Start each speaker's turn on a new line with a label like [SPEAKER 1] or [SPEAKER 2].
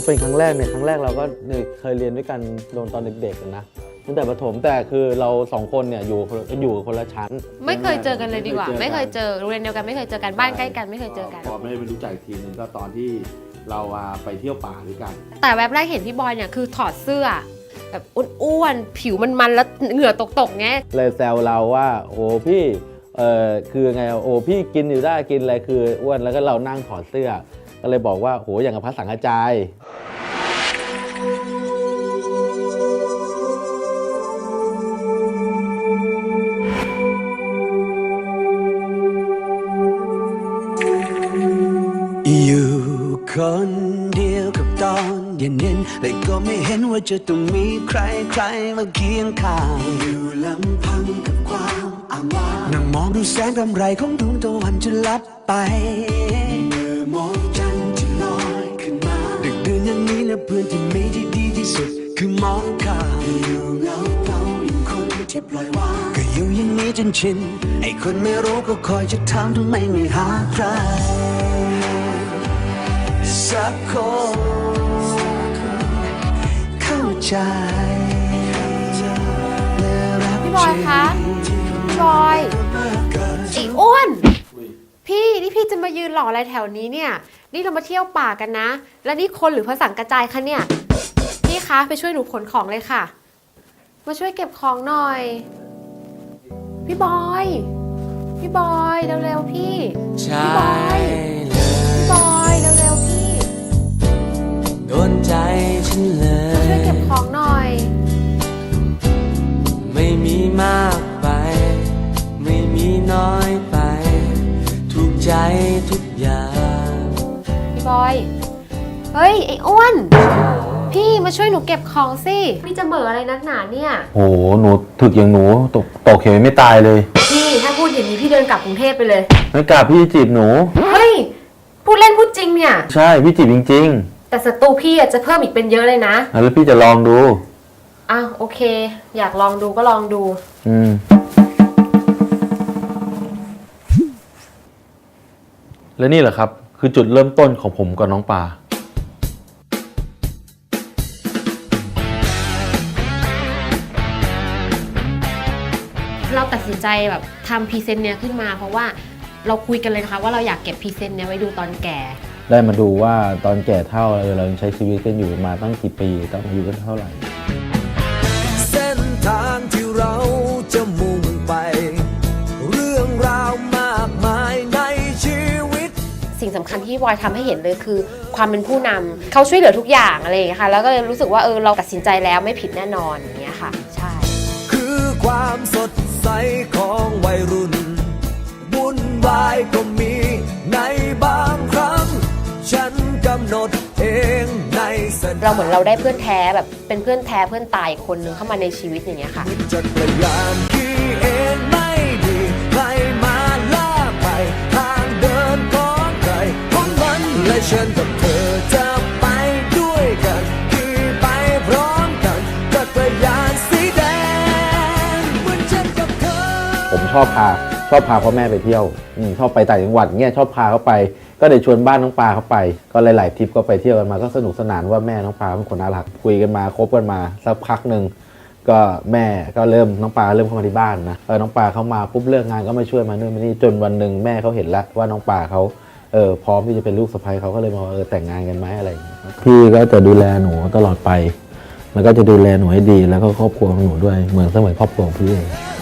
[SPEAKER 1] เป็นครั้งแรกเนี่ยครั้งแรกเราก็เคยเรียนด้วยกันโดนตอนเด็กๆนะตั้งแต่ประถมแต่คือเรา2 คนเนี่ยอยู่คนละชั้น
[SPEAKER 2] ไม่เคยเจอกันเลยดีกว่าไม่เคยเจอโรงเรียนเดียวกันไม่เคยเจอกันบ้านใกล้กันไม่เคยเจอกัน
[SPEAKER 1] พอไม่ได้ไปรู้จักทีนึงก็ตอนที่เราไปเที่ยวป่าด้วยกัน
[SPEAKER 2] แต่แวบแรกเห็นพี่บอยเนี่ยคือถอดเสื้อแบบอ้วนๆผิวมันแล้วเหงื่อตกๆไง
[SPEAKER 1] เลยแซวเราว่าโอ้พี่คือไงโอ้พี่กินอยู่ได้กินอะไรคืออ้วนแล้วก็เรานั่งถอดเสื้อก็เลยบอกว่าโหอย่างกับพระสังฆจาย
[SPEAKER 3] อยู่คนเดียวกับตอนเย็นๆแต่ก็ไม่เห็นว่าจะต้องมีใครมาเคียงข้างอยู่ลำพังกับความอ้างว้างนั่งมองดูแสงกำไรของดวงตะวันจะลับไปเมื่อมองจันทร์ที่ลอยขึ้นมาดึกดื่นอย่างนี้นะเพื่อนที่มีที่ดีที่สุดคือมองข้ามอยู่เงาอย่างคนที่ปล่อยวางก็อยู่อย่างนี้จนชินไอ้คนไม่รู้ก็คอยจะถามทำไมไม่หาใครสักคนเข้าใจ
[SPEAKER 2] พี่บอยคะพี่บอยอีอ้วนพี่นี่พี่จะมายืนหล่ออะไรแถวนี้เนี่ยนี่เรามาเที่ยวป่ากันนะแล้วนี่คนหรือพระสังกระจายคะเนี่ยพี่คะไปช่วยหนูขนของเลยค่ะมาช่วยเก็บของหน่อยพี่บอยเร็วๆพี่พี่บอยเร็วๆพี่
[SPEAKER 3] โดนใจฉันเล
[SPEAKER 2] มา
[SPEAKER 3] ย
[SPEAKER 2] ช่วยเก็บของหน่อย
[SPEAKER 3] ไม่มีมากไปไม่มีน้อยไปถูกใจทุกอย่าง
[SPEAKER 2] พี่บอยเฮ้ยไอ้อ้วนพี่มาช่วยหนูเก็บของสิพี่จะเหม่ออะไรนักหนาเนี่ย
[SPEAKER 1] โอ้โหหนูถึกอย่างหนูตกเขียวไม่ตายเลย
[SPEAKER 2] พี่ถ้าพูดอย่างนี้พี่เดินกลับกรุงเทพไปเลย
[SPEAKER 1] ไม่กลับพี่จีบหนู
[SPEAKER 2] เฮ้ยพูดเล่นพูดจริงเนี่ย
[SPEAKER 1] ใช่พี่จีบจริง
[SPEAKER 2] ๆแต่ศัตรูพี่จะเพิ่มอีกเป็นเยอะเลยนะ
[SPEAKER 1] แล้วพี่จะลองดู
[SPEAKER 2] อ้าวโอเคอยากลองดูก็ลองดู
[SPEAKER 1] และนี่แหละครับคือจุดเริ่มต้นของผมกับน้องปา
[SPEAKER 2] เราตัดสินใจแบบทำพรีเซนต์เนี้ยขึ้นมาเพราะว่าเราคุยกันเลยนะคะว่าเราอยากเก็บพรีเซนต์เนี้ยไว้ดูตอนแก่
[SPEAKER 1] ได้มาดูว่าตอนแก่เท่าเรายังใช้ชีวิตกันอยู่มาตั้งกี่ปีต้องอายุกันเท่าไหร่
[SPEAKER 3] เส้นทางที่เราจะมุ่งไปเรื่องราวมากมายในชีวิต
[SPEAKER 2] สิ่งสำคัญที่บอยทำให้เห็นเลยคือความเป็นผู้นำเขาช่วยเหลือทุกอย่างอะไรอย่างเงี้ยค่ะแล้วก็เลยรู้สึกว่าเราตัดสินใจแล้วไม่ผิดแน่นอนอย่างเงี้ยค่ะใช่
[SPEAKER 3] คือความสดใสของวัยรุ่นวุ่นวายก็มีในบางครั้งฉันกำหนดเองใน
[SPEAKER 2] เราเหมือนเราได้เพื่อนแท้แบบเป็นเพื่อนแท้เพื่อนตายคนนึงเข้ามาในชีวิตอย่างเงี้ยค่ะ
[SPEAKER 3] จักรยานขี่เองไม่ดีใครมาล่าไปทางเดินของใครของมันและฉันกับเธอจะไปด้วยกันขี่ไปพร้อมกันจักรยานสีแดงเหมือนฉันกับเธอ
[SPEAKER 1] ผมชอบพาพ่อแม่ไปเที่ยวชอบไปต่างจังหวัดเงี้ยชอบพาเขาไปก็เลยชวนบ้านน้องปาเขาไปก็หลายๆทริปก็ไปเที่ยวกันมาก็สนุกสนานว่าแม่น้องปาเป็นคนน่ารักคุยกันมาคบกันมาสักพักหนึ่งก็แม่ก็น้องปาเริ่มเข้ามาที่บ้านนะน้องปาเขามาปุ๊บเลิกงานก็มาช่วยมานู่นมานี่จนวันหนึ่งแม่เขาเห็นแล้วว่าน้องปาเขาพร้อมที่จะเป็นลูกสะใภ้เขาก็เลยมาแต่งงานกันไหมอะไรอย่างเงี้ยพี่ก็จะดูแลหนูตลอดไปแล้วก็จะดูแลหนูให้ดีแล้วก็ครอบครัวของหนูด้วยเหมือนเสมือนครอบครัวของพี่เอง